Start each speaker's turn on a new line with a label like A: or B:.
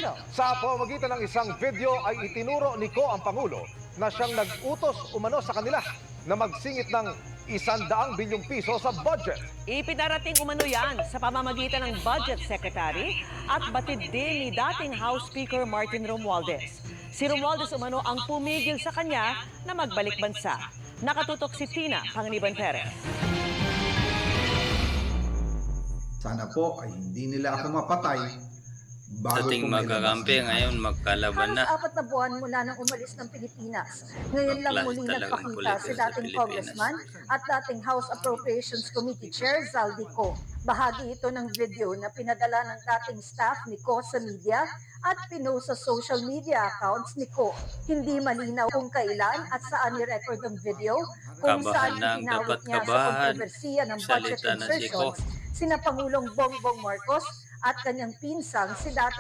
A: Fernando.
B: Sa pamamagitan ng isang video ay itinuro ni Ko ang Pangulo na siyang nag-utos umano sa kanila na magsingit ng 100 bilyong piso sa budget.
C: Ipinarating umano yan sa pamamagitan ng Budget Secretary at batid din ni dating House Speaker Martin Romualdez. Si Romualdez umano ang pumigil sa kanya na magbalik bansa. Nakatutok si Tina Panganiban Perez.
D: Sana po ay hindi nila ako mapatay bago
E: Dating
D: ko
E: magkakampi, ngayon magkalaban na.
A: Halos 4 na buwan mula nang umalis ng Pilipinas. Ngayon lang
E: Bakla
A: muling
E: talagang
A: nagpakita
E: kulit
A: si
E: sa
A: dating
E: Pilipinas.
A: congressman at dating House Appropriations Committee Chair Zaldi Co. Bahagi ito ng video na pinadala ng dating staff ni Co sa media at pinost sa social media accounts ni Co. Hindi malinaw kung kailan at saan ni-record ang video, kung
E: Kabahan
A: saan
E: lang,
A: itinawag
E: dapat
A: niya sa
E: kabahan.
A: kontrobersiya ng budget
E: Salita na si Co.
A: insertions sina Pangulong Bongbong Marcos at kanyang pinsang si dating